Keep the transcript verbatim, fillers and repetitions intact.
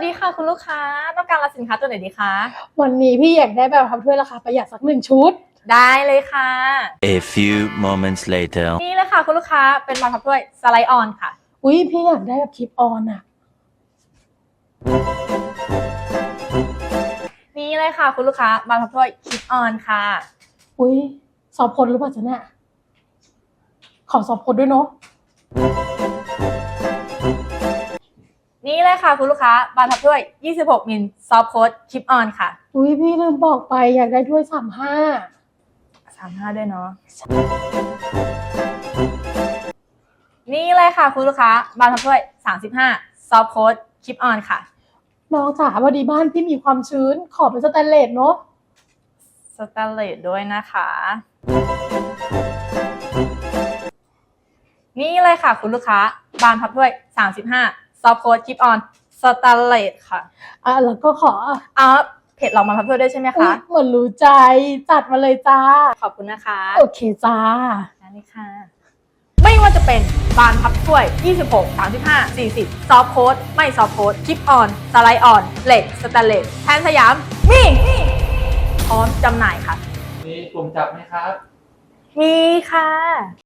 ดีค่ะคุณลูกค้าต้องการรับสินค้าตัวไหนดีคะวันนี้พี่อยากได้แบบพับถ้วยราคาประหยัดสักหนึ่งชุดได้เลยค่ะ A few moments later นี่เลยค่ะคุณลูกค้าเป็นบานพับถ้วยสไลด์ออนค่ะอุ้ยพี่อยากได้แบบคลิปออนอะนี่เลยค่ะคุณลูกค้าบานพับถ้วยคลิปออนค่ะอุ้ยสอบพลหรือเปล่าจ๊ะเนี่ยขอสอบพลด้วยเนาะนี่เลยค่ะคุณลูกค้าบานพับถ้วยยี่สิบหกมิลซอฟต์โค้ดคลิปออนค่ะอุ้ยพี่ลืมบอกไปอยากได้ถ้วยสามห้าสามห้าด้วยเนาะนี่เลยค่ะคุณลูกค้าบานพับถ้วยสามสิบห้าซอฟต์โค้ดคลิปออนค่ะน้องจ๋าพอดีบ้านพี่มีความชื้นขอเป็นสแตนเลสเนาะสแตนเลสด้วยนะคะนี่เลยค่ะคุณลูกค้าบานพับถ้วยสามสิบห้าซอฟต์โค้ดคลิปออนสแตนเลสค่ะอ่ะแล้วก็ขออ๋อเพจเรามาพับถ้วยด้วยใช่ไหมคะเหมือนรู้ใจจัดมาเลยจ้าขอบคุณนะคะโอเคจ้านั่นเลยค่ะไม่ว่าจะเป็นบานพับถ้วยยี่สิบหก สามสิบห้า สี่สิบซอฟต์โค้ดไม่ซอฟต์โค้ดคลิปออนสไลด์ออนเหล็กสแตนเลสแทนสยามมีพร้อมจำหน่ายค่ะมีกลุ่มจับไหมครับมีค่ะ